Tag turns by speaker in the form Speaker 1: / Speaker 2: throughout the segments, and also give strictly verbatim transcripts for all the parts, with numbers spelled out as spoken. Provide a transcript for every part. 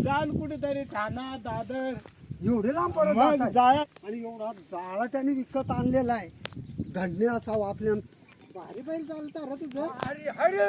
Speaker 1: जाल कुठेतरी ठाणा दादर
Speaker 2: एवढे लांब परत
Speaker 1: मग
Speaker 2: जाताय.
Speaker 1: जाया
Speaker 2: आणि एवढा जाळा त्याने विकत आणलेला आहे. धन्य असावं आपल्या भारी बैल चालता रे तुझं. अरे अरे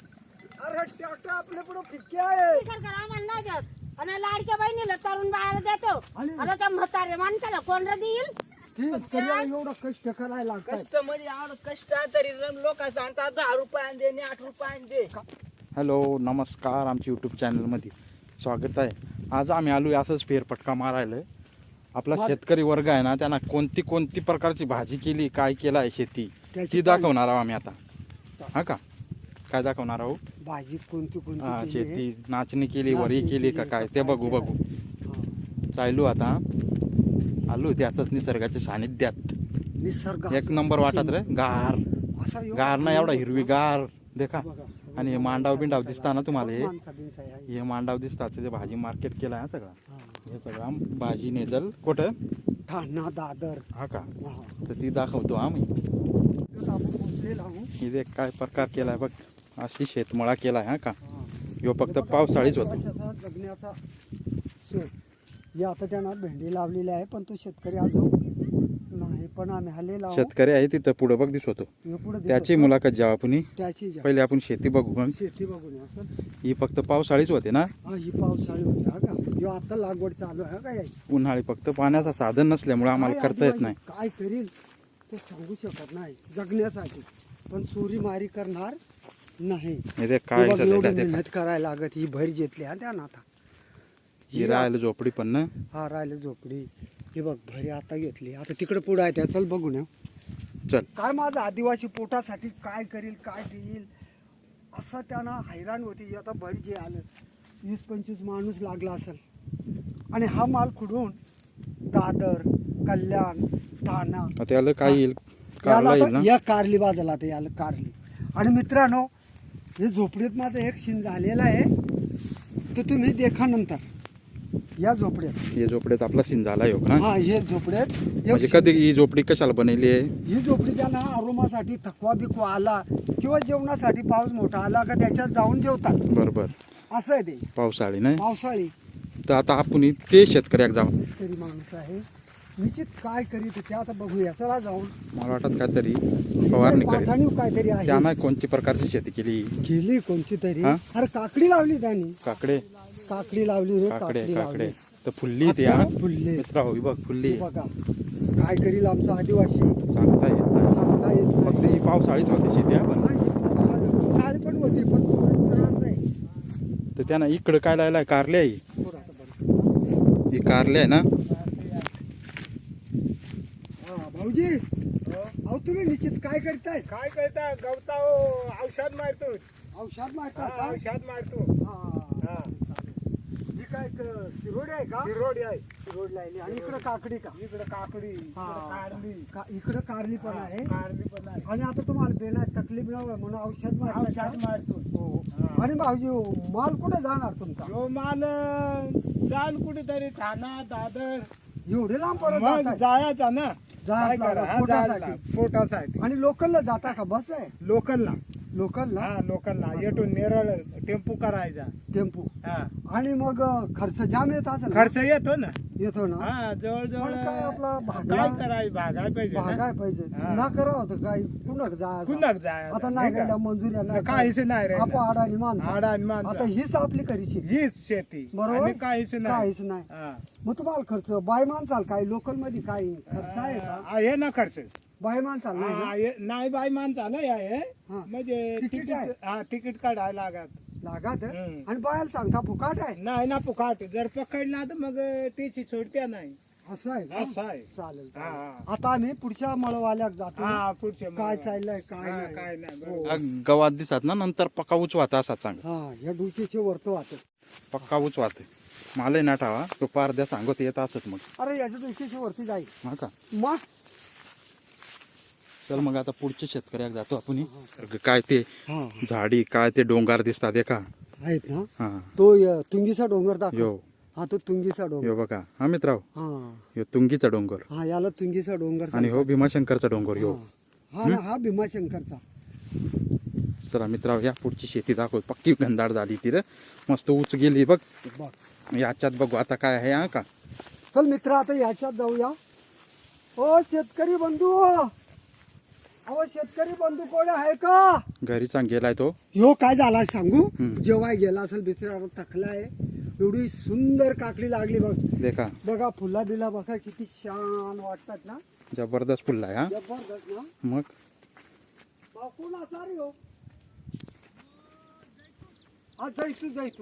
Speaker 2: अरे ट्रॅक्टर आपल्या पुढे फिक्के आहे.
Speaker 3: सरकार आम्हाला नाही देत आणि लाडक्या बहिणीला तरुण बाळाला देतो.
Speaker 2: आणि-
Speaker 3: आता त्या म्हातारे माणसाला कोण रे देईल?
Speaker 2: ठीक त्याला एवढं कष्ट करायला लागतात.
Speaker 4: कष्ट म्हणजे आवड कष्ट तरी लोक सांगतात दहा रुपयाने दे आणि आठ रुपयाने दे.
Speaker 5: हॅलो नमस्कार, आमच्या यूट्यूब चॅनलमध्ये स्वागत आहे. आज आम्ही आलो असंच फेरफटका मारायला. आपला शेतकरी वर्ग आहे ना, त्यांना कोणती कोणती प्रकारची भाजी केली, काय केलं आहे शेती, ती दाखवणार आहोत आम्ही आता. हा का काय दाखवणार आहोत?
Speaker 2: भाजी कोणती कोणती
Speaker 5: हा,
Speaker 2: केली आहे?
Speaker 5: शेती नाचणी केली, वरी केली का काय ते बघू बघू.
Speaker 2: हा.
Speaker 5: चालू आता आलो ते असंच निसर्गाच्या सानिध्यात.
Speaker 2: निसर्ग
Speaker 5: एक नंबर वाटत रे, गार
Speaker 2: असा एवढा
Speaker 5: गार ना एवढा हिरवी गार देखा.
Speaker 2: बघा.
Speaker 5: आणि हे मांडाव बिंडाव दिसता ना तुम्हाला, हे
Speaker 2: माणसा बिनसा आहे.
Speaker 5: हे मांडाव दिसतात ते भाजी मार्केट केलं आहे सगळं.
Speaker 2: हा.
Speaker 5: हे सगळं भाजी नेजल कुठं
Speaker 2: ठाणा दादर.
Speaker 5: हा का,
Speaker 2: हा.
Speaker 5: तर ती दाखवतो आम्ही.
Speaker 2: तिथं आपण पोहोचलेलो आहोत.
Speaker 5: इथे काय प्रकार केलाय बघ, अशी शेतमळा केलाय. हा का,
Speaker 2: हा.
Speaker 5: ह्यो फक्त पावसाळीच होतो.
Speaker 2: कशाचा जगण्याचा सोय. हे आता त्यांना भेंडी लावलेली आहे, पण तो शेतकरी अजून नाही. पण आम्ही हल्ले लावू.
Speaker 5: शेतकरी आहे तिथं पुढं बघ दिसतो.
Speaker 2: हे पुढे दिसत
Speaker 5: त्याची
Speaker 2: होतं.
Speaker 5: मुलाखत जेव्हा आपण
Speaker 2: त्याची जा.
Speaker 5: पहिले आपण शेती बघू. मग
Speaker 2: शेती बघून या सर.
Speaker 5: ही फक्त पावसाळीच होते ना,
Speaker 2: हा ही पावसाळी होती. हा का, ह्यो आता लागवड चालू आहे. हा का याची.
Speaker 5: उन्हाळी फक्त पाण्याचा साधन नसल्यामुळे आम्हाला
Speaker 2: काय
Speaker 5: करता येत
Speaker 2: आदिवासी
Speaker 5: नाही.
Speaker 2: काय करील ते सांगू शकत नाही जगण्यासाठी, पण चोरी मारी करणार नाही.
Speaker 5: इथे
Speaker 2: हे
Speaker 5: काय
Speaker 2: बघ,
Speaker 5: झालेलं
Speaker 2: एवढी
Speaker 5: आहे ते काय.
Speaker 2: मेहनत करायला लागत. ही भर घेतली हा त्या नाथा.
Speaker 5: ही राहायला झोपडी पण ना.
Speaker 2: हा राहिलं झोपडी. हे बघ भरी आता घेतली. आता तिकडे पुढे आहे त्या, चल बघून या.
Speaker 5: चल
Speaker 2: काय माझं आदिवासी पोटासाठी काय करील काय देईल असं त्यांना हैराण होती. आता भरी जे आलं वीस पंचवीस माणूस लागला असेल. आणि हा माल खुडून दादर कल्याण ठाणा
Speaker 5: आता याला काय येईल,
Speaker 2: याला
Speaker 5: कारला येईल
Speaker 2: आता
Speaker 5: ना.
Speaker 2: या कारली बाजूला आता याला कारली. आणि मित्रांनो, हे झोपडीत माझं एक सीन झालेलं आहे, ते तुम्ही देखा नंतर. या झोपड्यात
Speaker 5: हे झोपडीत आपला सीन झाला योग ना.
Speaker 2: हा हे झोपड्यात एक
Speaker 5: म्हणजे
Speaker 2: सीन.
Speaker 5: कधी ही झोपडी कशाला बनवली आहे?
Speaker 2: ही झोपडी त्यांना आरोमासाठी थकवा बिकवा आला किंवा जेवणासाठी पाऊस मोठा आला का त्याच्यात जाऊन जेवतात.
Speaker 5: बरोबर,
Speaker 2: असं आहे ते
Speaker 5: पावसाळी नाही.
Speaker 2: पावसाळी.
Speaker 5: तर आता आपण ते शेतकऱ्याक जाऊ.
Speaker 2: शेतकरी माणूस आहे, निश्चित काय करीत ते आता बघूया. चला जाऊन.
Speaker 5: मला वाटत काहीतरी फवारणी करीत.
Speaker 2: पाठाणीव काहीतरी आहे.
Speaker 5: त्यानं कोणती प्रकारची शेती केली?
Speaker 2: केली कोणती तरी.
Speaker 5: हा?
Speaker 2: अरे काकडी लावली त्यांनी.
Speaker 5: काकडे
Speaker 2: काकडी लावली रे,
Speaker 5: काकडे
Speaker 2: काकडी
Speaker 5: काकडे
Speaker 2: लावली.
Speaker 5: तर फुल्ली ते. हा
Speaker 2: आता फुलले.
Speaker 5: मित्रा होई बघ फुल्ली.
Speaker 2: बघा काय करील आमचा आदिवासी
Speaker 5: सांगता येत नाही.
Speaker 2: सांगता येत नाही.
Speaker 5: फक्त ही पावसाळीच होती शेती. हा बरं.
Speaker 2: काळी पण होती, पण थोडा त्रास आहे.
Speaker 5: तर त्यानं इकडं काय लायलाय? कारले आहे.
Speaker 2: थोडासा बरं.
Speaker 5: ही कारले आहे ना.
Speaker 2: हा, भाऊजी अहो तुम्ही निश्चित काय करताय?
Speaker 1: काय करता गवता औषध मारतो.
Speaker 2: औषध मारता
Speaker 1: हा,
Speaker 2: का?
Speaker 1: औषध मारतो.
Speaker 2: हा.
Speaker 1: हा.
Speaker 2: ही काय क- शिरोडी आहे का?
Speaker 1: शिरोडी आहे.
Speaker 2: शिरोड लावली. आणि इकडे काकडी का?
Speaker 1: इकडे काकडी, इकडे
Speaker 2: हा.
Speaker 1: कारली,
Speaker 2: का- इकडे कारली पण आहे.
Speaker 1: कारली पण आहे.
Speaker 2: आणि आता तुम्हाला बेला तकलीफ नव्हे म्हणून औषध मारता
Speaker 1: औषध
Speaker 2: का?
Speaker 1: मारतो.
Speaker 2: हो.
Speaker 1: हा.
Speaker 2: आणि भाऊजी माल कुठे जाणार तुमचा?
Speaker 1: जो माल अं, जाल कुठेतरी ठाणा दादर
Speaker 2: एवढे लांब परत
Speaker 1: मग
Speaker 2: जाताय?
Speaker 1: जायचा ना. काय
Speaker 2: जायला
Speaker 1: करा,
Speaker 2: लागला,
Speaker 1: हा,
Speaker 2: पोटासाठी.
Speaker 1: जायला, पोटासाठी.
Speaker 2: आणि लोकलला जाता का? बस आहे
Speaker 1: लोकलला.
Speaker 2: लोकलला
Speaker 1: हा, लोकलला येतो नेरळ टेम्पो करायचा.
Speaker 2: टेम्पो.
Speaker 1: हा,
Speaker 2: आणि मग खर्च जाम येत असेल ना?
Speaker 1: खर्च येतो ना.
Speaker 2: येतो ना.
Speaker 1: हा, जवळ जवळ
Speaker 2: पण काय आपला भागला-
Speaker 1: काय करायचं, भागाय पाहिजे ना.
Speaker 2: भागाय पाहिजे
Speaker 1: हा.
Speaker 2: ना. करावं होतं काय कुणक जा
Speaker 1: कुणाक जायचं,
Speaker 2: आता नाही
Speaker 1: नाही का?
Speaker 2: गेल्या मंजुऱ्या नाही
Speaker 1: काहीच नाही रे.
Speaker 2: आपण आडानी माणसं.
Speaker 1: आडा आणि माणसं.
Speaker 2: आता हीच आपली करीची.
Speaker 1: हीच शेती
Speaker 2: बरोबर.
Speaker 1: आणि काहीच नाही.
Speaker 2: काहीच नाही.
Speaker 1: हा.
Speaker 2: मग तुम्हाला खर्च बाय माणसाल काय लोकल मध्ये काय खर्च आहे का?
Speaker 1: आहे ना खर्च.
Speaker 2: बाय माणसाल नाही
Speaker 1: हा,
Speaker 2: ना?
Speaker 1: आहे. नाही बाई माणसाला आहे.
Speaker 2: हा.
Speaker 1: म्हणजे
Speaker 2: तिकीट
Speaker 1: तिकीट
Speaker 2: आहे?
Speaker 1: हा तिकीट काढायला लागत.
Speaker 2: लागत आहे?
Speaker 1: हम्म.
Speaker 2: आणि बायाला सांगता फुकाट आहे
Speaker 1: नाही ना फुकाट. जर पकडला तर मग टीची सोडत्या नाही.
Speaker 2: असं आहे का?
Speaker 1: असं आहे.
Speaker 2: चालेल
Speaker 1: हा,
Speaker 2: चालेल.
Speaker 1: हा.
Speaker 2: आता आम्ही पुढच्या मळवाल्यात जातो.
Speaker 1: हा, पुढचे
Speaker 2: काय
Speaker 1: मग.
Speaker 2: चाललंय काय
Speaker 1: हा,
Speaker 2: नाही.
Speaker 1: काय नाही,
Speaker 2: हो.
Speaker 1: बरोबर.
Speaker 5: हा गवात दिसत ना, नंतर पक्का उचवाता असा चांगला.
Speaker 2: हा या डुकीचे वरतो वाटत.
Speaker 5: पक्का उचवाते मला ना ठावा तो पारद्या सांगत येत असत मग.
Speaker 2: अरे याच्या डुकीचे वरती जाईल
Speaker 5: हा का.
Speaker 2: मग.
Speaker 5: चल मग आता पुढच्या शेतकऱ्याक जातो आपण. काय ते
Speaker 2: हा
Speaker 5: झाडी, काय ते डोंगर दिसतात हे का.
Speaker 2: आहेत ना.
Speaker 5: हा
Speaker 2: तो य- तुंगीचा डोंगर दाखव.
Speaker 5: यो
Speaker 2: हा तो तुंगीचा डोंगर.
Speaker 5: यो बघा. हा मित्राव,
Speaker 2: हा
Speaker 5: यो तुंगीचा डोंगर
Speaker 2: हा याला तुंगीचा डोंगर
Speaker 5: आणि हो भीमाशंकरचा डोंगर. यो
Speaker 2: हा. हा ना हा भीमाशंकरचा.
Speaker 5: चला मित्रांनो या पुढची शेती दाखव. पक्की गंधाड झाली ती रे, मस्त उच गेली बघ.
Speaker 2: बघ
Speaker 5: याच्यात बघू आता काय आहे हा का.
Speaker 2: चल मित्र आता याच्यात जाऊया. ओ शेतकरी बंधू, अहो शेतकरी बंधू कोण आहे का?
Speaker 5: घरी चांग गेलाय तो.
Speaker 2: ह्यो काय झाला सांगू,
Speaker 5: हम्म.
Speaker 2: जेव्हा गेला असेल बिचारा थकलाय. एवढी सुंदर काकडी लागली बघ.
Speaker 5: देखा
Speaker 2: बघा फुला बिला बघा किती छान वाटतात ना.
Speaker 5: जबरदस्त फुलला आहे हा.
Speaker 2: जबरदस्त ना.
Speaker 5: मग
Speaker 2: भाऊ कोण असा रे हो? हा जैतू जैतू.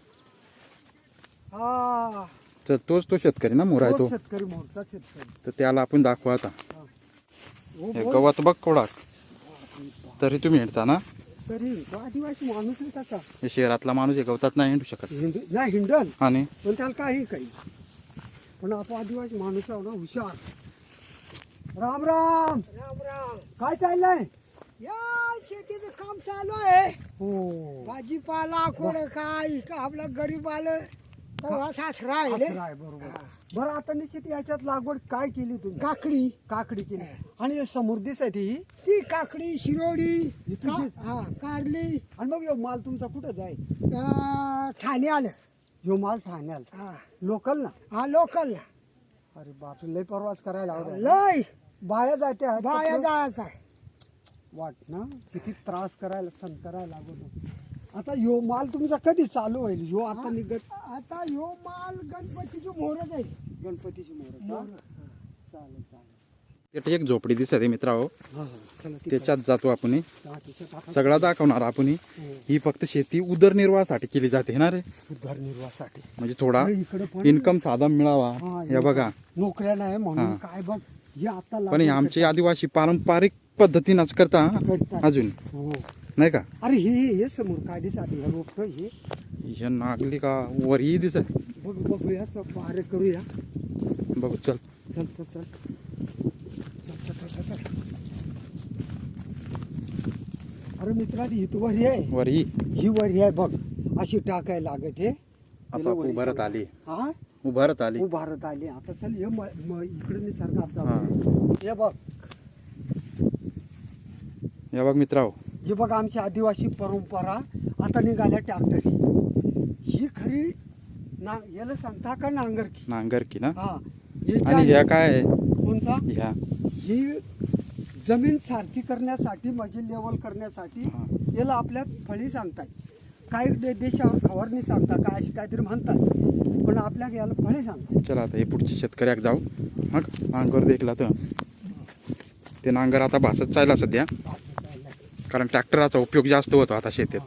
Speaker 2: हा
Speaker 5: तर तोच तो शेतकरी ना मोर आहे तो.
Speaker 2: तोच शेतकरी मोरचा शेतकरी.
Speaker 5: तर त्याला आपण दाखवू आता.
Speaker 2: हो
Speaker 5: हे
Speaker 2: बोल.
Speaker 5: गवत बघ कोडाक. तरी तुम्ही हिंडता ना.
Speaker 2: तरी तो आदिवासी माणूस आहे तसा.
Speaker 5: हे शहरातला माणूस हे गवतात नाही हिंडू शकत.
Speaker 2: हिंद नाही हिंडल
Speaker 5: आणि
Speaker 2: पण त्याला काही काही. पण आपण आदिवासी माणूस आहो ना, हुशार. राम राम
Speaker 3: राम राम.
Speaker 2: काय चाललंय?
Speaker 3: या शेतीचं काम चालू आहे.
Speaker 2: हो
Speaker 3: भाजीपाला कोण काय का आपलं गरीब आलं तर असाच राहिले.
Speaker 2: असं आहे, बरोबर. बरं आता निश्चित याच्यात लागवड काय केली तुम्ही?
Speaker 3: काकडी,
Speaker 2: काकडी केली. आणि हे समृद्धीच आहे ती.
Speaker 3: ती काकडी, शिरोडी,
Speaker 2: ही तुझीच?
Speaker 3: का- हा कारली.
Speaker 2: आणि मग ह्यो माल तुमचा कुठं जाय?
Speaker 3: अं, ठाणे आलं.
Speaker 2: ह्यो माल ठाण्याला
Speaker 3: हा
Speaker 2: लोकल ना.
Speaker 3: हा लोकल
Speaker 2: अरे बापरे लय परवाच करायला लावलाय.
Speaker 3: लय
Speaker 2: बाया जाते आहेत.
Speaker 3: बाया जायचं आहे.
Speaker 2: वाट ना किती त्रास करायला सण करायला लागतो. आता ह्यो माल तुमचा कधी चालू होईल? ह्यो आता निघत
Speaker 3: आता ह्यो माल गणपतीची मोहरच आहे.
Speaker 2: गणपतीची मोहर का? चालेल चालेल.
Speaker 5: तिथे एक झोपडी दिसत आहे मित्रांनो.
Speaker 2: हा हा चला ती
Speaker 5: त्याच्यात जातो आपण.
Speaker 2: हा, तिच्यात आता
Speaker 5: सगळा दाखवणार आपण. ही फक्त शेती उदरनिर्वाहासाठी केली जाते ना रे.
Speaker 2: उदरनिर्वाहासाठी
Speaker 5: म्हणजे थोडा
Speaker 2: हे इकडे पण
Speaker 5: इन्कम साधन मिळावा.
Speaker 2: हा,
Speaker 5: हे बघा.
Speaker 2: नोकऱ्या नाही म्हणून
Speaker 5: हा.
Speaker 2: काय बघ हे आता
Speaker 5: पण हे
Speaker 2: लागवड
Speaker 5: आमचे आदिवासी पारंपरिक पद्धतीनंच करता हा.
Speaker 2: करतात.
Speaker 5: अजून
Speaker 2: हो.
Speaker 5: नाही का.
Speaker 2: अरे हे हे हे समोर काय दिसत हे रोप हे
Speaker 5: हे नागली का वर ही दिसत.
Speaker 2: बघ बघूया बारे करूया.
Speaker 5: बघू चल.
Speaker 2: चल चल चल चल चल चल चल चल. अरे मित्रा ही तू वरी आहे.
Speaker 5: वर ही
Speaker 2: ही वरी आहे बघ. अशी टाकायला लागत हे.
Speaker 5: आता उभारत आली.
Speaker 2: हा
Speaker 5: उभारत आली.
Speaker 2: उभारत आली. आता चल हे म- म- इकडे मी सरकार
Speaker 5: हा.
Speaker 2: हे बघ
Speaker 5: हे बघ मित्रांनो.
Speaker 2: हे बघ आमची आदिवासी परंपरा आता निघाल्या ट्रॅक्टर. ही खरी ना याला सांगता का नांगरकी?
Speaker 5: नांगरकी ना.
Speaker 2: हा
Speaker 5: आणि ह्या काय आहे?
Speaker 2: कोणता?
Speaker 5: ह्या
Speaker 2: ही जमीन सारखी करण्यासाठी मजी लेवल करण्यासाठी
Speaker 5: हा.
Speaker 2: याला आपल्या फळी सांगतात. काही दे- देशावर फवारणी सांगतात काय अशी काहीतरी म्हणतात पण आपल्या याला फळी सांगतात.
Speaker 5: चला आता हे पुढच्या शेतकऱ्याक जाऊ. हा नांगर देखला तर ते नांगर आता भासत चालला सध्या. कारण ट्रॅक्टराचा उपयोग जास्त होतो आता शेतीत.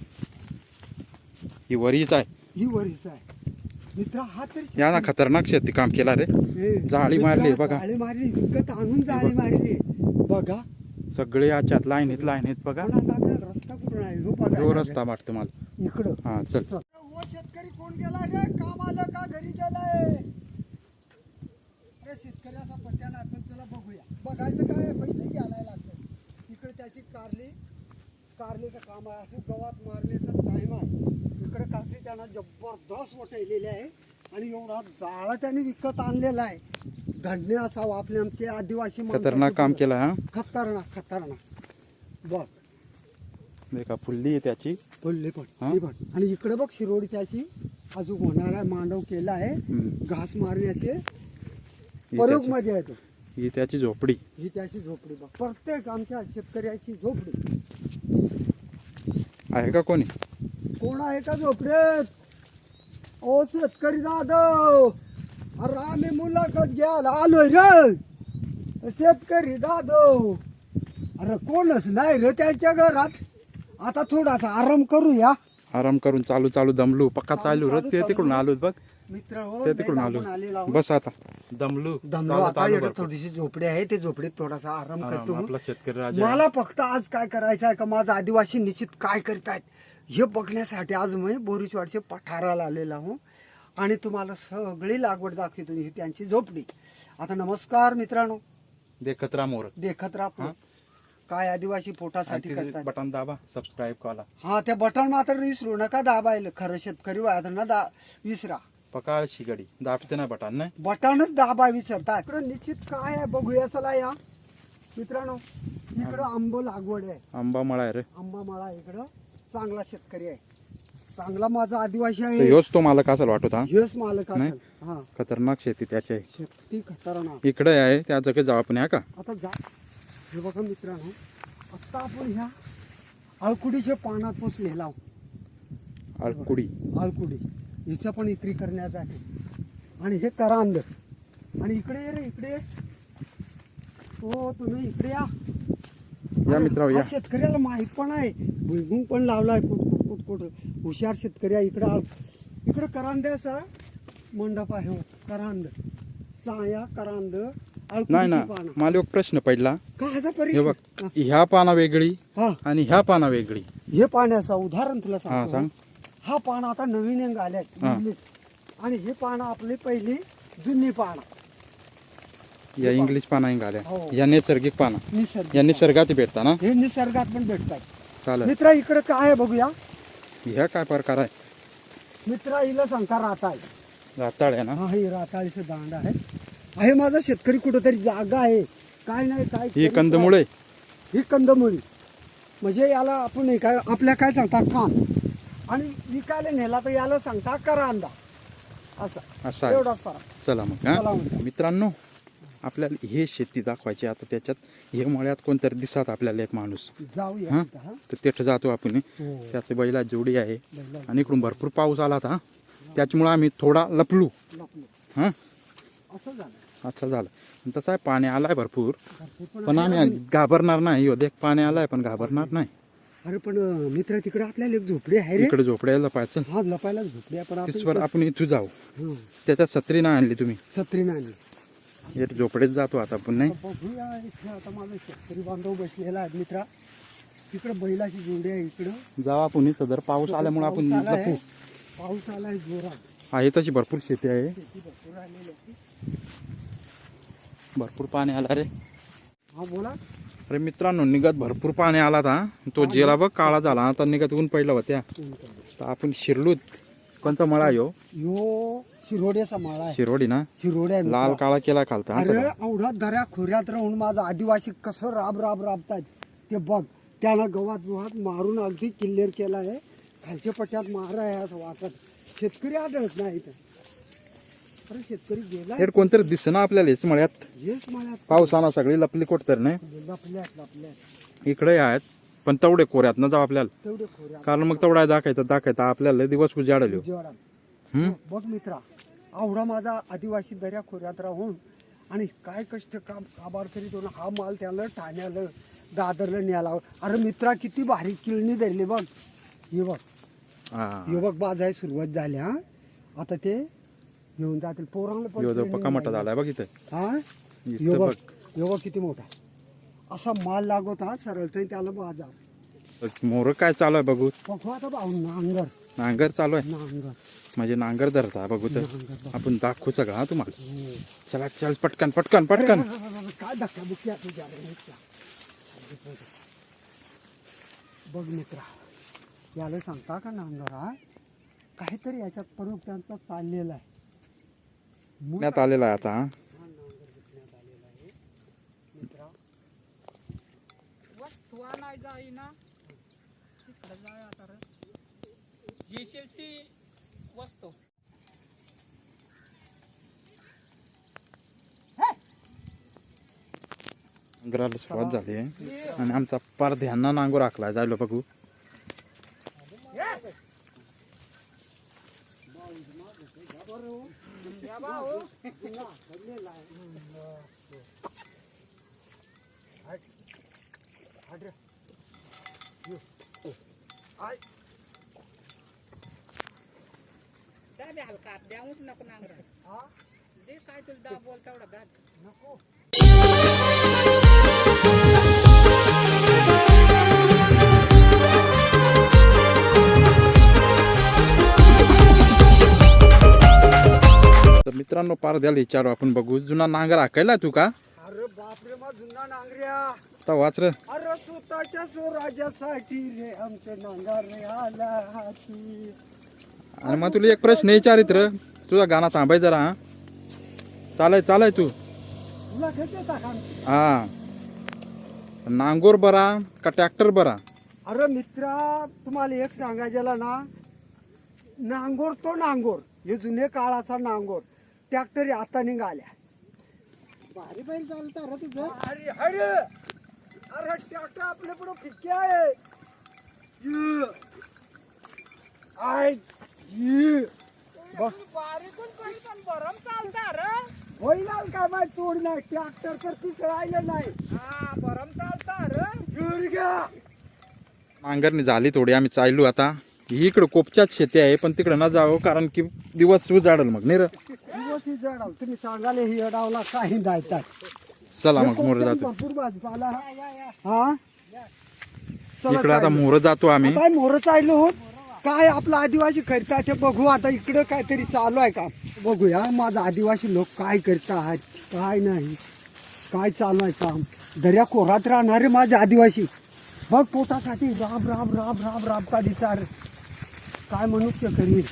Speaker 5: ही वरीच आहे.
Speaker 2: ही वरीच आहे मित्रा. हा तरी
Speaker 5: या ना खतरनाक शेती काम केला रे.
Speaker 2: हे,
Speaker 5: जाळी
Speaker 2: मित्रा,
Speaker 5: मारली बघा.
Speaker 2: जाळी मारली विकत आणून जाळी मारली बघा.
Speaker 5: सगळे याच्यात लाईनीत लाईनीत बघा.
Speaker 2: पण आता आपल्याला रस्ता कुठून आहे हो बघा.
Speaker 5: जो रस्ता वाटतो मला.
Speaker 2: इकडं
Speaker 5: हा चल.
Speaker 2: चल. ओ शेतकरी कोण गेला रे? काम आलं का घरी गेलाय? अरे शेतकऱ्याचा पत्त्या नाही पण चला बघूया. बघायचं काय पैसे घ्यायला लागतात. इकडे त्याची कारली कारलीचं काम आहे. असं गवात मारण्याचा टाइम आहे. इकडे काकडी त्यांना जबरदस्त वटलेली आहे आणि एवढा जाळा त्याने विकत आणलेला आहे. धन्य असावं आपले आमचे आदिवासी माणसाचे
Speaker 5: खतरनाक काम
Speaker 2: बघ.
Speaker 5: केलं हा.
Speaker 2: खतरनाक खतरनाक बघ.
Speaker 5: देखा फुल्ली आहे त्याची.
Speaker 2: बोलले पण
Speaker 5: हा?
Speaker 2: ते पण. आणि इकडे बघ शिरोडी त्याची अजून होणारा मांडव केला आहे.
Speaker 5: हम्म.
Speaker 2: घास मारण्याचे
Speaker 5: ही
Speaker 2: प्रयोग
Speaker 5: त्याची-
Speaker 2: मध्ये आहे तो.
Speaker 5: ही त्याची झोपडी.
Speaker 2: ही त्याची झोपडी बघ. प्रत्येक आमच्या शेतकऱ्याची झोपडी.
Speaker 5: आहे का कोणी?
Speaker 2: कोण आहे का झोपडेत? ओ शेतकरी जाधव, अरे आम्ही मुलाखत घ्यायला आलोय रे. शेतकरी जाधव, अरे कोणच नाही रे त्यांच्या घरात. आता थोडासा आराम करूया.
Speaker 5: आराम करून चालू चालू दमलू. पक्का चालू
Speaker 2: चालू
Speaker 5: रे. ते तिकडून
Speaker 2: दमलू.
Speaker 5: आलो बघ.
Speaker 2: मित्र हो
Speaker 5: ते तिकडून आलो. बस आता दमलू.
Speaker 2: दमलो
Speaker 5: चालू-
Speaker 2: आता.
Speaker 5: चालू
Speaker 2: इकडे
Speaker 5: भरपूर.
Speaker 2: थोडीशी झोपडी आहे. ते झोपडीत थोडासा आराम
Speaker 5: आराम.
Speaker 2: करतो.
Speaker 5: आपला शेतकरी राजा आहे.
Speaker 2: मला फक्त आज काय करायचं आहे का माझा आदिवासी निश्चित काय करतायत हे बघण्यासाठी आज मी बोरीचवाडचे पठाराला आलेला हूँ आणि तुम्हाला सगळी लागवड दाखवतो. ही त्यांची झोपडी. आता नमस्कार मित्रांनो.
Speaker 5: देखत राहा मोर.
Speaker 2: देखत राहा काय आदिवासी पोटासाठी
Speaker 5: आणि
Speaker 2: करतात.
Speaker 5: बटन दाबा सबस्क्राईब करा.
Speaker 2: हा त्या बटन मात्र विसरू नका दाबायला. खरं शेतकरी वादना दा विसरा.
Speaker 5: पकाळ शिगडी दाबते ना बटन नाही.
Speaker 2: बटनच दाबा विसरता. इकडं निश्चित काय आहे बघूया चला या मित्रांनो. इकडं आंब लागवड आहे,
Speaker 5: आंबा मळा आहे रे.
Speaker 2: आंबा मळा इकडं. चांगला शेतकरी आहे, चांगला माझा आदिवासी
Speaker 5: तर
Speaker 2: आहे.
Speaker 5: ह्योच तो मालक असेल वाटत हा.
Speaker 2: हेच मालक
Speaker 5: नाही?
Speaker 2: असेल. हा,
Speaker 5: खतरनाक शेती त्याची आहे.
Speaker 2: शेती खतरनाक.
Speaker 5: इकडे आहे त्या जगे जाऊ आपण, ह्या का
Speaker 2: आता जा, हे बघा मित्रांनो, आता आपण ह्या आळकुडीच्या पानात पोचलेला आहोत.
Speaker 5: आळकुडी.
Speaker 2: आळकुडी हिचं पण विक्री करण्यात आहे. आणि हे करांद. आणि इकडे ये रे, इकडे ये. हो तुम्ही इकडे या.
Speaker 5: या मित्रांनो
Speaker 2: हा
Speaker 5: या.
Speaker 2: शेतकऱ्याला माहित पण आहे, भुईमुंग पण लावलाय कुठ कुठ कुठ कुठ. हुशार शेतकरी आहे. इकडं आळ- इकडं करांद्याचा मंडप आहे. हो, करांद, साया करांद,
Speaker 5: नाही
Speaker 2: आळकुडीची
Speaker 5: ना,
Speaker 2: पानं.
Speaker 5: मला एक प्रश्न पडला.
Speaker 2: का ह्याचा
Speaker 5: हे
Speaker 2: परिचय?
Speaker 5: बघ, ह्या पाना वेगळी
Speaker 2: हा,
Speaker 5: आणि ह्या पाना वेगळी.
Speaker 2: हे पाण्याचा उदाहरण तुला
Speaker 5: हा
Speaker 2: सांगतो.
Speaker 5: सांग.
Speaker 2: हा पान आता नवीन अंग आल्यात
Speaker 5: हा.
Speaker 2: इंग्लिश, आणि हे पानं आपली पहिली जुनी पानं.
Speaker 5: या इंग्लिश पाना आल्या,
Speaker 2: हो.
Speaker 5: या नैसर्गिक पाना,
Speaker 2: निसर्ग
Speaker 5: या निसर्गात भेटता ना.
Speaker 2: हे निसर्गात पण भेटतात.
Speaker 5: चालेल.
Speaker 2: मित्रा इकडे काय आहे बघूया.
Speaker 5: ह्या काय प्रकार आहे?
Speaker 2: मित्रा हिला सांगता राताळ.
Speaker 5: राताळ आहे ना.
Speaker 2: हा, हे राताळीचं दांड आहे. आहे माझा शेतकरी कुठेतरी जागा आहे. काय नाही काय
Speaker 5: ही
Speaker 2: तरी
Speaker 5: कंदमुळे.
Speaker 2: काय. ही कंदमुळी म्हणजे याला आपण हे काय आपल्या काय सांगता कान, आणि विकायला नेला तर याला सांगता करांदा. असं
Speaker 5: असं आहे.
Speaker 2: एवढाच फरक.
Speaker 5: चला मग
Speaker 2: चला
Speaker 5: हा
Speaker 2: मग.
Speaker 5: मित्रांनो, आपल्याला हे शेती दाखवायची. आता त्याच्यात हे मळ्यात कोणतरी दिसत आपल्याला एक माणूस,
Speaker 2: जाऊया
Speaker 5: हा
Speaker 2: तिथं, हा.
Speaker 5: तर तिथं जातो आपण.
Speaker 2: हो.
Speaker 5: त्याचे बैला जोडी आहे.
Speaker 2: बैला-
Speaker 5: आणि इकडून भरपूर पाऊस आला होता, त्याच्यामुळे आम्ही थोडा लपलो.
Speaker 2: लपलो.
Speaker 5: हा
Speaker 2: असं झालं.
Speaker 5: असं झालं. आणि तसं आहे, पाणी आलाय भरपूर,
Speaker 2: भरपूर
Speaker 5: पण
Speaker 2: आहे.
Speaker 5: आम्ही घाबरणार नाही. हो देख, पाणी आलाय पण घाबरणार नाही.
Speaker 2: अरे पण मित्र तिकडे आपल्याला एक झोपडी आहे रे.
Speaker 5: इकडे झोपड्याला पाहायचं.
Speaker 2: हा, लपायला झोपडी आहे, पण आपण
Speaker 5: तिसवर आपण इथू जाऊ.
Speaker 2: हं,
Speaker 5: त्याच्यात सत्री नाही आणली तुम्ही.
Speaker 2: सत्री नाही.
Speaker 5: हे झोपडेत जातो आता आपण. नाही
Speaker 2: आता बघूया इथे. आता माझा शेतकरी बांधव बसलेला आहे मित्रा. तिकडे बैलाची जोडी आहे. इकडं
Speaker 5: जाऊ आपण. हे सदर पाऊस आल्यामुळे आपण
Speaker 2: पाऊस आलाय.
Speaker 5: लपू.
Speaker 2: पाऊस आलाय जोरात.
Speaker 5: आहे तशी भरपूर शेती आहे.
Speaker 2: शेती भरपूर आलेली आहे.
Speaker 5: भरपूर पाणी आला रे.
Speaker 2: हा बोला.
Speaker 5: अरे मित्रांनो, निघत भरपूर पाणी आला था. तो जेला बघ काळा झाला. आता निघत ऊन पडला होत्या. तर आपण शिरलूत. कोणचा मळा आहे ह्यो?
Speaker 2: यो शिरोड्याचा माळा आहे.
Speaker 5: शिरोडी ना.
Speaker 2: शिरोड्या आहे
Speaker 5: लाल
Speaker 2: मित्रा.
Speaker 5: काळा केला खालता. हा,
Speaker 2: अरे
Speaker 5: चला.
Speaker 2: एवढा दऱ्या खोऱ्यात राहून माझा आदिवासी कसं राब राब राबतात ते बघ. त्यानं गवात गुहात मारून अगदी किल्लेर केला आहे. खालच्या पट्ट्यात मार आहे असं वाटत. शेतकरी आढळत नाही इथं. अरे शेतकरी गेला.
Speaker 5: हे कोणतरी दिसना आपल्याला हेच मळ्यात.
Speaker 2: हेच मला
Speaker 5: पावसाना सगळी लपली कोट तर नाही.
Speaker 2: लपल्यात लपल्यात
Speaker 5: इकडे आहेत, पण तेवढे कोऱ्यात न जाऊ आपल्याला.
Speaker 2: तेवढे खोऱ्या
Speaker 5: कारण मग तेवढा दाखायचं दाखायचं आपल्याला दिवस उजाडलो.
Speaker 2: उजेडात.
Speaker 5: हम्म.
Speaker 2: बघ मित्रा, आवडा माझा आदिवासी दर्या खोऱ्यात राहून आणि काय कष्ट काम काबार करीत होऊन हा माल त्याला ठाण्याला दादरला न्यायला. अरे मित्रा किती भारी किळणी धरली बघ. हे बघ,
Speaker 5: हा.
Speaker 2: हे बघ बाजाय सुरुवात झाली. हा, आता ते घेऊन जातील पोरांना पण
Speaker 5: ह्यो जो
Speaker 2: training
Speaker 5: पक्का मोठा
Speaker 2: द्यायला.
Speaker 5: झालाय बघ इथं.
Speaker 2: हा,
Speaker 5: इथं
Speaker 2: हे बघ,
Speaker 5: बघ.
Speaker 2: हे बघ किती मोठा असा माल लागत हा सरळ तर त्याला बाजार.
Speaker 5: मोर काय चालू आहे बघू.
Speaker 2: बघू आता भाऊ नांगर
Speaker 5: नांगर चालू आहे.
Speaker 2: नांगर
Speaker 5: म्हणजे नांगर धरता बघू तर.
Speaker 2: नांगर बघ.
Speaker 5: आपण दाखवू सगळं हा तुम्हाला.
Speaker 2: हो.
Speaker 5: चला चल पटकन पटकन पटकन.
Speaker 2: काय धक्का बुक्की असं झालं मित्रा. बघ मित्रा, याला सांगता का नांगरा काहीतरी याच्यात प्रयोग त्यांचा चाललेला आहे.
Speaker 5: पुण्यात आलेला आहे आता. हा.
Speaker 2: हा नांगर विकण्यात आलेला आहे मित्रा.
Speaker 4: वस्तू नाही जाईना तिकडे जाय आता रे. येशील ती वस्तू.
Speaker 5: नांगराला सुरुवात झाली आहे आणि आमचा पार ध्याना नांगोर आखला जायलो बघू.
Speaker 4: काय बी हलका द्याऊच नको नांगर. जे काय तुला दा बोल तेवढा दाद
Speaker 2: नको.
Speaker 5: तर मित्रांनो, पार द्याला विचारू आपण बघू. जुना नांगर हाकायला तू का?
Speaker 2: अरे बापरे, मा जुना नांगऱ्या.
Speaker 5: आता वाच रे.
Speaker 2: अरे स्वतःच्या स्वराज्यासाठी रे आमचे नांगर रे आला हाती.
Speaker 5: आणि मग तुला एक प्रश्न विचारित र. तुझा गाणं थांबाय जरा. हा चालाय चालाय तू.
Speaker 2: तुला घेते का आमची?
Speaker 5: हा नांगोर बरा का ट्रॅक्टर बरा?
Speaker 2: अरे मित्रा, तुम्हाला एक सांगायला ना, नांगोर तो नांगोर, हे जुने काळाचा नांगोर. ट्रॅक्टर आता निघाल्या. भारी बैल चालता रे तुझं. अरे अरे अरे ट्रॅक्टर आपल्या पुढे फिक्के आहे. ये. आय ये. बस
Speaker 4: बारीकून पण पण बरम चालता रे.
Speaker 2: होईल काय माहिती तोड नाही. ट्रॅक्टर तर पिस राहिलं नाही.
Speaker 4: हा बरम चालता रे.
Speaker 2: गुडघ्या.
Speaker 5: नांगरणी झाली थोडी, आम्ही चाललो आता. इकडं कोपच्याच शेती आहे, पण तिकडं न जावं कारण की दिवस उजाडल मग नाही रे.
Speaker 2: दिवस ही जडाव. तुम्ही सांगाले ही अडावला काही जायतात.
Speaker 5: चला मग मोर जातो.
Speaker 2: भरपूर भाजीपाला. हा चला
Speaker 5: इकडं आता
Speaker 2: चाललो.
Speaker 5: मोर जातो आम्ही.
Speaker 2: काय मोर चाललो. काय आपला आदिवासी करता ते बघू. आता इकडं काहीतरी चालू आहे का बघूया. माझा आदिवासी लोक काय करतात काय नाही, काय चालू आहे काम. दर्या कोरात राहणारे माझे आदिवासी बघ पोटासाठी राब राब राब राब राब का दिसार. काय मनुष्य करील.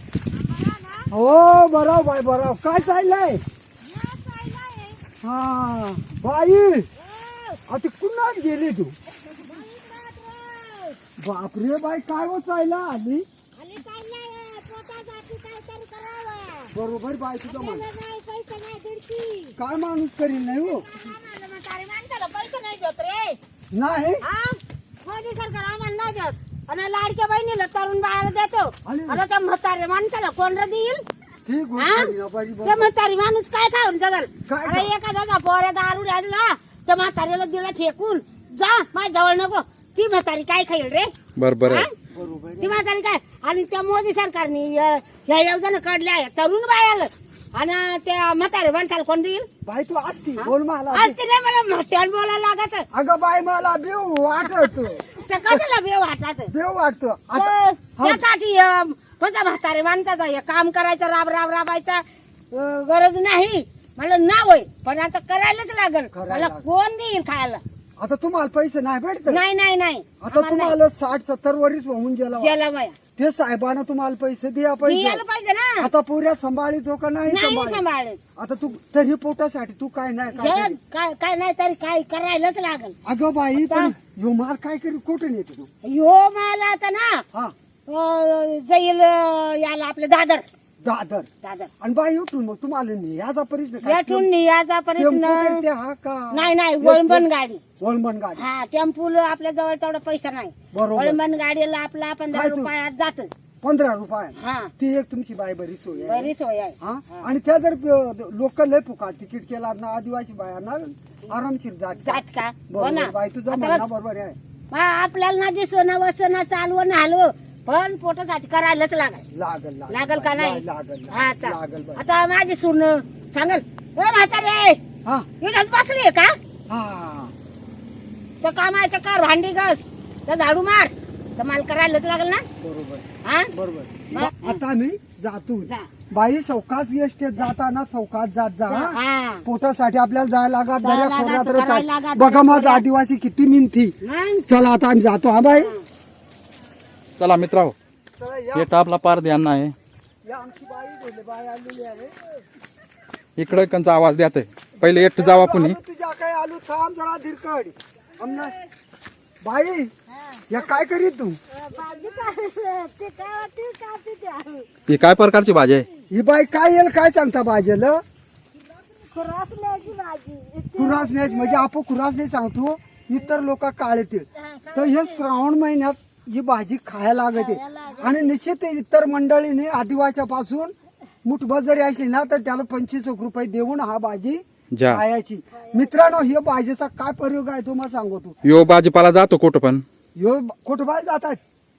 Speaker 2: हो बराव बाय बराव. काय चाललंय. हा बाई आता कुणाच गेली तू. बापरे बाई काय हो चालला आली. बरोबर बाई तुझं मान. काय माणूस करील नाही हो. नाही
Speaker 6: मोदी सरकार आम्हाला नाही देत आणि लाडक्या बहिणीला तरुण बाळाला देतो. आता त्या म्हातारे माणसाला कोण देईल.
Speaker 2: ठीक
Speaker 6: हा?
Speaker 2: बाई
Speaker 6: ते म्हातारी माणूस काय खाऊन जगल.
Speaker 2: काय
Speaker 6: अरे एखाद्याचा पोऱ्या दारू राहिला त्या म्हातारीला दिला फेकून जा माझ्या जवळ नको. ती म्हातारी काय खाईल रे.
Speaker 5: बरोबर
Speaker 6: हा?
Speaker 5: आहे.
Speaker 2: बरोबर
Speaker 6: ती म्हातारी काय. आणि त्या मोदी सरकारने या योजना काढल्या आहे तरुण बायाला आणि त्या म्हातारे माणसाला कोण देईल.
Speaker 2: बाई तू असती बोल मला.
Speaker 6: आज तिने मला मोठ्यानं बोलायला लागत.
Speaker 2: अगं बाई मला बेव वाटत.
Speaker 6: ते कशाला बेव वाटत.
Speaker 2: बेव वाटतो आता.
Speaker 6: त्यासाठी माझा म्हातारे माणसाचा हे काम करायचं राब राब राबायचा अं, गरज नाही. मला नाव आहे पण आता करायलाच लागल.
Speaker 2: करायला
Speaker 6: मला
Speaker 2: लागल.
Speaker 6: कोण देईल खायला.
Speaker 2: आता तुम्हाला पैसे नाही भेटत.
Speaker 6: नाही नाही नाही
Speaker 2: आता तुम्हाला साठ सत्तर वर्ष होऊन गेला.
Speaker 6: गेला बाया
Speaker 2: ते साहेबांना तुम्हाला पैसे द्या पाहिजे.
Speaker 6: यायला पाहिजे ना.
Speaker 2: आता पुऱ्या सांभाळीतो का नाही
Speaker 6: नाही
Speaker 2: सांभाळी.
Speaker 6: सांभाळत.
Speaker 2: आता तू तरी पोटासाठी तू काय नाही काय
Speaker 6: जे
Speaker 2: करीत?
Speaker 6: काय काय नाही तरी काय करायलाच लागल.
Speaker 2: अगं बाई पण ह्यो माल काय करी कुठून येतो तू.
Speaker 6: यो मला आता ना
Speaker 2: हा
Speaker 6: अं, जाईल अं, याला आपलं दादर
Speaker 2: दादर.
Speaker 6: दादर
Speaker 2: आणि बाई उठून मग तुम्हाला याचा परिचय
Speaker 6: भेटून नियाचा पर्यंत
Speaker 2: हा का
Speaker 6: नाही नाही वळंबन गाडी.
Speaker 2: वळंबन गाडी.
Speaker 6: हा टेम्पूल आपल्या जवळ तेवढा पैसा नाही.
Speaker 2: बरोबर.
Speaker 6: वळंबन गाडीला आपला पंधरा
Speaker 2: काय तू?
Speaker 6: रुपयात जात.
Speaker 2: पंधरा रुपये
Speaker 6: हा
Speaker 2: ती एक तुमची बाई बरी सोय आहे.
Speaker 6: बरी सोय आहे.
Speaker 2: हा आणि त्या जर लोक लय फुकाट तिकीट केला ना आदिवासी बायांना आरामशीर जात.
Speaker 6: जात का हो
Speaker 2: बरोबर
Speaker 6: ना.
Speaker 2: बाई तुझं
Speaker 6: आता
Speaker 2: म्हणणं
Speaker 6: बघ,
Speaker 2: बरोबर आहे.
Speaker 6: हा, आपल्याला ना दिसणं वसणं चालवणं हलव पण पोटासाठी करायलाच लागल.
Speaker 2: लागल
Speaker 6: लागल का नाही.
Speaker 2: लागल
Speaker 6: हा चा-
Speaker 2: लागल बाई.
Speaker 6: आता माझी सून सांगल ओ म्हातारे
Speaker 2: हा
Speaker 6: इथंच बसली का.
Speaker 2: हा
Speaker 6: तर कामाचं कर भांडी घस तर झाडू मार तर मला करायलाच लागल ना.
Speaker 2: बरोबर
Speaker 6: हा
Speaker 2: बरोबर.
Speaker 6: मग-
Speaker 2: आता मी जातो.
Speaker 6: जा.
Speaker 2: बाई चौकात एसटीत जाताना चौकात जात जा. हा?
Speaker 6: हा
Speaker 2: पोटासाठी आपल्याला जायला लागत
Speaker 6: जायला
Speaker 2: दर्या
Speaker 6: लागत,
Speaker 2: खोऱ्यात
Speaker 6: करायला
Speaker 2: राहतात.
Speaker 6: लागत,
Speaker 2: बघा
Speaker 6: दर्या
Speaker 2: माझा
Speaker 6: खोऱ्यात.
Speaker 2: आदिवासी किती मिनती.
Speaker 6: मग
Speaker 2: चला आता आम्ही जातो. हा बाई
Speaker 5: चला मित्रांनो,
Speaker 2: चला या.
Speaker 5: हे टापला पार ध्यान आहे.
Speaker 2: या आमची बाई बोलले बाई आलेली आहे.
Speaker 5: इकडे कंचा आवाज द्यात पहिले एकटं जावा कुणी.
Speaker 2: आलू तुझ्या काय आलू थांब जरा धीरकड. आमना बाई या काय करीत तू.
Speaker 6: भाजी काय ते काय ते कापते ते
Speaker 5: ही काय प्रकारची भाजी आहे.
Speaker 2: ही बाई काय येईल काय सांगता भाजेल.
Speaker 6: खुरासण्याची भाजी.
Speaker 2: खुरासण्याची म्हणजे आपण खुरासणे सांगतो इतर लोक काळ येतील. तर हे श्रावण महिन्यात ही भाजी खायला लागते आणि निश्चित इतर मंडळीने आदिवासीपासून मुठभर जरी असली ना तर त्याला पंचवीस एक रुपये देऊन हा भाजी
Speaker 5: जा
Speaker 2: खायची. मित्रांनो हे भाजीचा काय प्रयोग आहे तुम्हाला सांगतो.
Speaker 5: यो भाजीपाला जातो कुठं पण.
Speaker 2: ह्यो कुठं बाहेर जातात.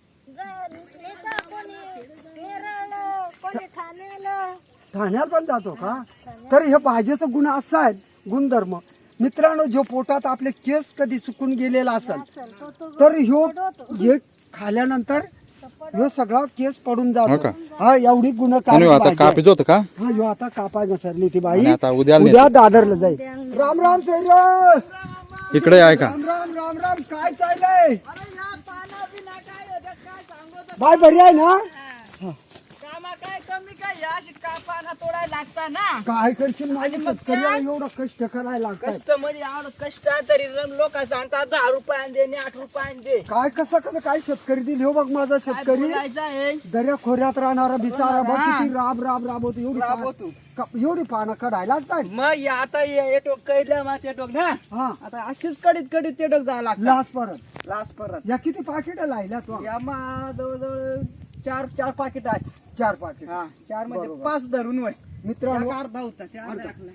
Speaker 2: ठाण्यात पण जातो का. तर हे भाजीचा गुण असा आहे गुणधर्म. मित्रांनो जो पोटात आपले केस कधी चुकून गेलेला असेल तर ह्यो हे खाल्यानंतर ह्यो सगळा केस पडून
Speaker 5: हो
Speaker 2: जातो.
Speaker 5: का?
Speaker 2: हा एवढी
Speaker 5: कोणी
Speaker 2: गुणकारी
Speaker 5: आता
Speaker 2: भाजी आहे.
Speaker 5: कापीच होतं का.
Speaker 2: हा ह्यो आता कापाय घसरली ती बाई.
Speaker 5: आणि आता उद्या
Speaker 2: उद्या दादरला जाईल. राम राम सैर.
Speaker 5: इकडे आहे का.
Speaker 2: राम राम राम राम काय चाललंय. बाय बरी आहे ना.
Speaker 4: कामा काय मी काय या अशी कापाना तोडायला लागता ना
Speaker 2: काय करशील माझे शेतकऱ्याला एवढं कष्ट करायला लागतात
Speaker 4: कष्ट म्हणजे एवढं कष्ट तरी लोक सांगतात दहा रुपयाने दे आणि आठ रुपयाने दे
Speaker 2: काय कसं कसं काय शेतकरी दिल हो बघ माझा
Speaker 4: काय
Speaker 2: शेतकरी
Speaker 4: बोलायचं आहे
Speaker 2: दर्या खोऱ्यात राहणारा बिचारा बघ
Speaker 4: हा.
Speaker 2: किती राब राब राबवतो एवढी पानं-
Speaker 4: राबवतो.
Speaker 2: का- एवढी पानं कढायला लागतात
Speaker 4: मग या आता ये टोक कैलं मग ते टोक ना
Speaker 2: हा
Speaker 4: आता अशीच कडीत कडीत ते टोक जावं लागतं
Speaker 2: लास परत
Speaker 4: लास्ट परत
Speaker 2: या किती पाकिट लायला तो
Speaker 4: या मग जवळजवळ चार चार पाकिट आहेत
Speaker 2: चार पाकिट
Speaker 4: हा चार म्हणजे
Speaker 2: बरोबर.
Speaker 4: पाच धरून वय
Speaker 2: मित्रांनो
Speaker 4: त्या अर्धा होता त्या अर्धा टाकलाय.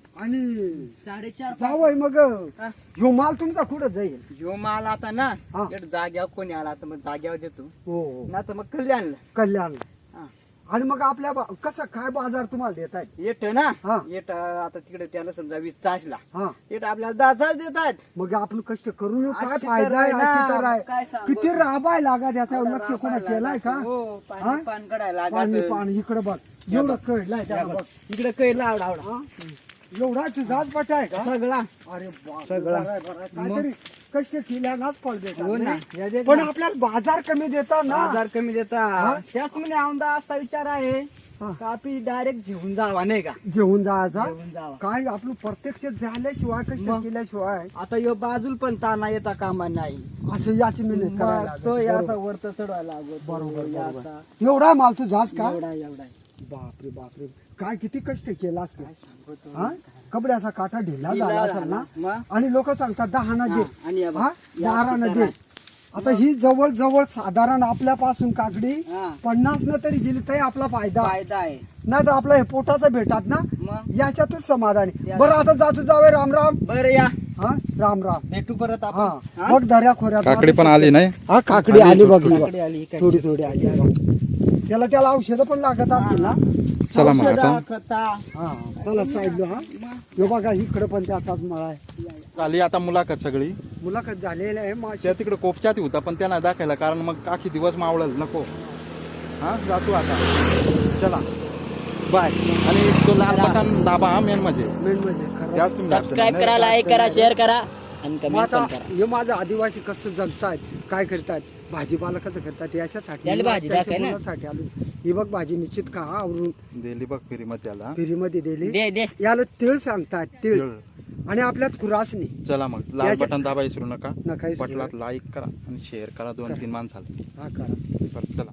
Speaker 2: आणि
Speaker 4: साडेचार
Speaker 2: जावय मग
Speaker 4: हा.
Speaker 2: ह्यो माल तुमचा कुठं जाईल
Speaker 4: ह्यो माल आता ना
Speaker 2: हा.
Speaker 4: इकडं जाग्यावर कोणी आला तर मग जाग्यावर देतो
Speaker 2: हो हो.
Speaker 4: ना तर मग कल्याणला
Speaker 2: कल्याण
Speaker 4: हा.
Speaker 2: आणि मग आपल्या बा- कसं काय बाजार तुम्हाला देत आहेत
Speaker 4: येत ना
Speaker 2: हा.
Speaker 4: येत आता तिकडे त्याला समजा वीस चासला
Speaker 2: हा
Speaker 4: येत आपल्याला दहा चास देतात
Speaker 2: मग आपण कष्ट करून येऊ, काय
Speaker 4: अशी
Speaker 2: फायदा
Speaker 4: तर
Speaker 2: आहे
Speaker 4: आहे ना,
Speaker 2: अशी तर आहे.
Speaker 4: काय सांगू?
Speaker 2: किती राबाय लागा त्याचा लक्ष कोणा केलाय का
Speaker 4: हो
Speaker 2: हा?
Speaker 4: पाणी पान कडायला
Speaker 2: पाणी
Speaker 4: लागत.
Speaker 2: पाणी इकडे बघ एवढं कळलाय त्याला बघ
Speaker 4: इकडे कैला आवडा आवडा
Speaker 2: हा? एवढा तुझाच पट आहे का
Speaker 4: सगळा
Speaker 2: अरे बाप
Speaker 4: सगळा.
Speaker 2: बरं आहे, बरं आहे. काहीतरी कष्ट केल्यानाच फळ
Speaker 4: हो ना
Speaker 2: देतात
Speaker 4: या दे
Speaker 2: पण
Speaker 4: ना.
Speaker 2: आपल्याला बाजार कमी देतात ना
Speaker 4: हजार कमी
Speaker 2: हा?
Speaker 4: देता त्याच म्हणजे आमदा असा विचार आहे
Speaker 2: हा.
Speaker 4: का आपली डायरेक्ट घेऊन जावा नाही का
Speaker 2: जेवून जायचा
Speaker 4: घेऊन जावा
Speaker 2: काय आपलं प्रत्यक्ष झाल्याशिवाय कष्ट
Speaker 4: मग?
Speaker 2: केल्याशिवाय
Speaker 4: आता यो बाजूल पण ताना येता कामा नाही
Speaker 2: असं याची मेहनत करायला
Speaker 4: मग
Speaker 2: लागत.
Speaker 4: तो या
Speaker 2: बरोबर.
Speaker 4: असा वरत चढवायला लागत
Speaker 2: बरोबर,
Speaker 4: या
Speaker 2: बरोबर.
Speaker 4: असा.
Speaker 2: एवढा माल तू जास का
Speaker 4: एवढा एवढा
Speaker 2: बापरे बापरे काय किती कष्ट केला असतो
Speaker 4: काय सांगतो
Speaker 2: हा कपड्याचा काटा ढिला
Speaker 4: ढिला
Speaker 2: झाला असेल
Speaker 4: झाला.
Speaker 2: ना
Speaker 4: मग?
Speaker 2: आणि लोक सांगतात दहाना दे
Speaker 4: हा, आणि या बघ.
Speaker 2: हा
Speaker 4: या
Speaker 2: बाराना
Speaker 4: अशी
Speaker 2: दे
Speaker 4: करा.
Speaker 2: आता ही जवळ जवळ साधारण आपल्यापासून काकडी
Speaker 4: हा.
Speaker 2: पन्नास न तरी गेली तरी आपला फायदा
Speaker 4: फायदा आहे
Speaker 2: नाही तर आपलं हे पोटाचं भेटात ना
Speaker 4: मग
Speaker 2: याच्यातच समाधानी
Speaker 4: या-
Speaker 2: बरं आता जातो जावे राम राम
Speaker 4: बरं या
Speaker 2: हा राम राम
Speaker 4: भेटू परत
Speaker 2: हा
Speaker 4: आपण हा?
Speaker 2: बघ दर्या खोऱ्यात
Speaker 5: काकडी पण आली नाही
Speaker 2: हा काकडी आली बघ ही बघ.
Speaker 4: काकडी आली काय?
Speaker 2: थोडी थोडी आली बघ. त्याला त्याला औषधं पण लागत असतील ना
Speaker 5: चला मग
Speaker 4: औषधं,
Speaker 5: आता
Speaker 4: खता
Speaker 2: हा चला साईडला हा हे बघा इकडे पण त्याचाच मळा आहे
Speaker 5: झाली आता मुलाखत सगळी
Speaker 2: मुलाखत झालेली आहे माझी
Speaker 5: त्या तिकडे कोपच्यात होता पण त्यांना दाखवायला कारण मग काकी दिवस मावळल नको हा जातो आता चला बाय आणि तो लाल बटन दाबा हा मेन म्हणजे
Speaker 2: मेन म्हणजे खरं
Speaker 5: त्यात तुम्ही
Speaker 4: सबस्क्राईब
Speaker 5: अडचण
Speaker 4: करा
Speaker 5: नाही.
Speaker 4: लाईक करा शेअर करा आणि
Speaker 2: मग
Speaker 4: कमेंट
Speaker 2: आता
Speaker 4: पण करा
Speaker 2: हे माझं आदिवासी कसं जगतायत काय करतात भाजीपाला कसं करतात याच्यासाठी
Speaker 4: त्याला भाजी
Speaker 2: त्यांच्या
Speaker 4: दाखव ना.
Speaker 2: मुलासाठी आलो ही बघ भाजी निश्चित का आवरून
Speaker 5: दिली बघ फिरी मग त्याला
Speaker 2: फिरीमध्ये दिली
Speaker 4: दे दे
Speaker 2: याला तिळ सांगतात तिळ
Speaker 5: तिळ.
Speaker 2: आणि आपल्यात खुरासणी
Speaker 5: चला मग लाल
Speaker 2: याच्या-
Speaker 5: बटन दाबा विसरू नका
Speaker 2: नका विसरू
Speaker 5: पटलात लाईक करा आणि शेअर करा दोन तीन माणसाला
Speaker 2: हा करा
Speaker 5: बरं चला